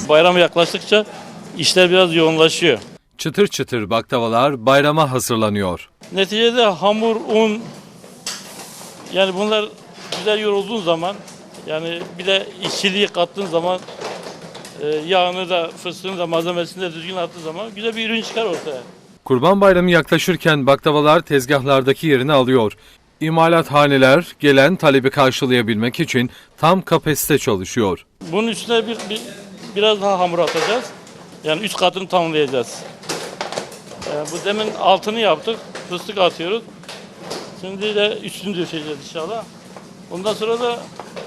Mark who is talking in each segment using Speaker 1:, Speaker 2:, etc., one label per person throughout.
Speaker 1: Bayram yaklaştıkça işler biraz yoğunlaşıyor.
Speaker 2: Çıtır çıtır baklavalar bayrama hazırlanıyor.
Speaker 1: Neticede hamur, un, yani bunlar güzel yoğrulduğun zaman, yani bir de işçiliği kattığın zaman, yağını da, fıstığını da, malzemesini de düzgün attığın zaman güzel bir ürün çıkar ortaya.
Speaker 2: Kurban Bayramı yaklaşırken baklavalar tezgahlardaki yerini alıyor. İmalathaneler gelen talebi karşılayabilmek için tam kapasite çalışıyor.
Speaker 1: Bunun üstüne biraz daha hamur atacağız. Yani üst katını tamamlayacağız. Bu demin altını yaptık, fıstık atıyoruz. Şimdi de üstünü döşeceğiz inşallah. Ondan sonra da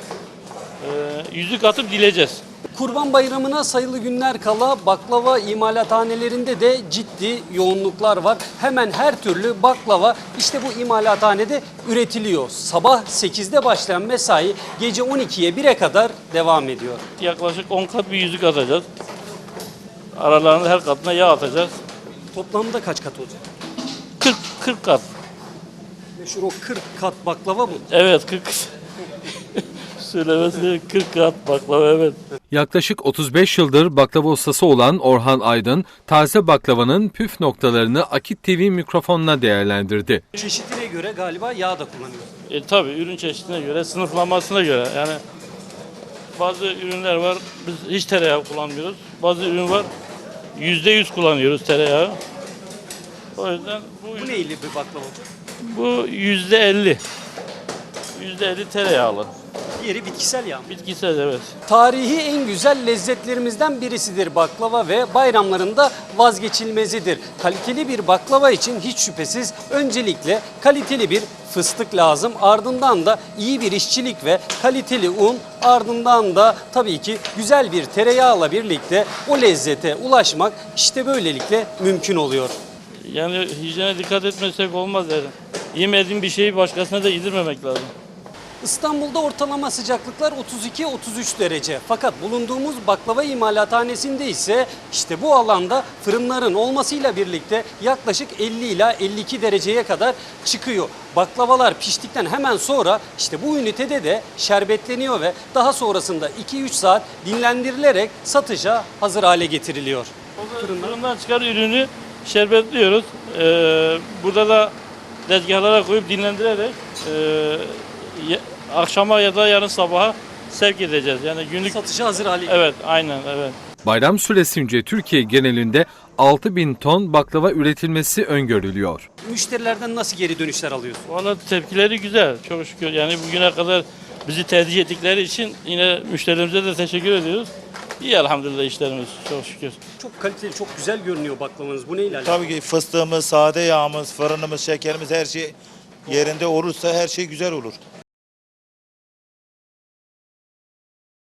Speaker 1: yüzük atıp dileceğiz.
Speaker 3: Kurban Bayramı'na sayılı günler kala baklava imalathanelerinde de ciddi yoğunluklar var. Hemen her türlü baklava işte bu imalathanede üretiliyor. Sabah 8'de başlayan mesai gece 12'ye 1'e kadar devam ediyor.
Speaker 1: Yaklaşık 10 kat bir yüzük atacağız. Aralarında her katına yağ atacağız.
Speaker 3: Toplamda kaç kat olacak?
Speaker 1: 40 kat.
Speaker 3: Meşhur o 40 kat baklava mı?
Speaker 1: Evet 40. Söylemesi 40 kat baklava, evet.
Speaker 2: Yaklaşık 35 yıldır baklava ustası olan Orhan Aydın, taze baklavanın püf noktalarını Akit TV mikrofonuna değerlendirdi.
Speaker 3: Çeşitine göre galiba yağ da kullanıyor.
Speaker 1: Tabii ürün çeşidine göre, sınıflamasına göre. Yani bazı ürünler var, biz hiç tereyağı kullanmıyoruz. Bazı ürün var, %100 kullanıyoruz tereyağı. O yüzden
Speaker 3: Bu neyli bir baklava olacak?
Speaker 1: bu %50. %50 tereyağlı.
Speaker 3: Diğeri bitkisel yağ mı?
Speaker 1: Bitkisel, evet.
Speaker 3: Tarihi en güzel lezzetlerimizden birisidir baklava ve bayramlarında vazgeçilmezidir. Kaliteli bir baklava için hiç şüphesiz öncelikle kaliteli bir fıstık lazım. Ardından da iyi bir işçilik ve kaliteli un, ardından da tabii ki güzel bir tereyağla birlikte o lezzete ulaşmak işte böylelikle mümkün oluyor.
Speaker 1: Yani hijyene dikkat etmesek olmaz yani. Yemediğin bir şeyi başkasına da yedirmemek lazım.
Speaker 3: İstanbul'da ortalama sıcaklıklar 32-33 derece. Fakat bulunduğumuz baklava imalathanesinde ise işte bu alanda fırınların olmasıyla birlikte yaklaşık 50 ila 52 dereceye kadar çıkıyor. Baklavalar piştikten hemen sonra işte bu ünitede de şerbetleniyor ve daha sonrasında 2-3 saat dinlendirilerek satışa hazır hale getiriliyor.
Speaker 1: Fırından çıkan ürünü şerbetliyoruz. Burada da tezgahlara koyup dinlendirerek akşama ya da yarın sabaha sevk edeceğiz. Yani günlük
Speaker 3: Satışa hazır hale
Speaker 1: Evet, aynen, evet.
Speaker 2: Bayram süresince Türkiye genelinde 6.000 ton baklava üretilmesi öngörülüyor.
Speaker 3: Müşterilerden nasıl geri dönüşler alıyorsun?
Speaker 1: Valla tepkileri güzel, çok şükür. Yani bugüne kadar bizi tercih ettikleri için yine müşterilerimize de teşekkür ediyoruz. İyi elhamdülillah işlerimiz, çok şükür.
Speaker 3: Çok kaliteli, çok güzel görünüyor baklavanız. Bu neyle alakalı?
Speaker 4: Tabii ki fıstığımız, sade yağımız, fırınımız, şekerimiz her şey yerinde olursa her şey güzel olur.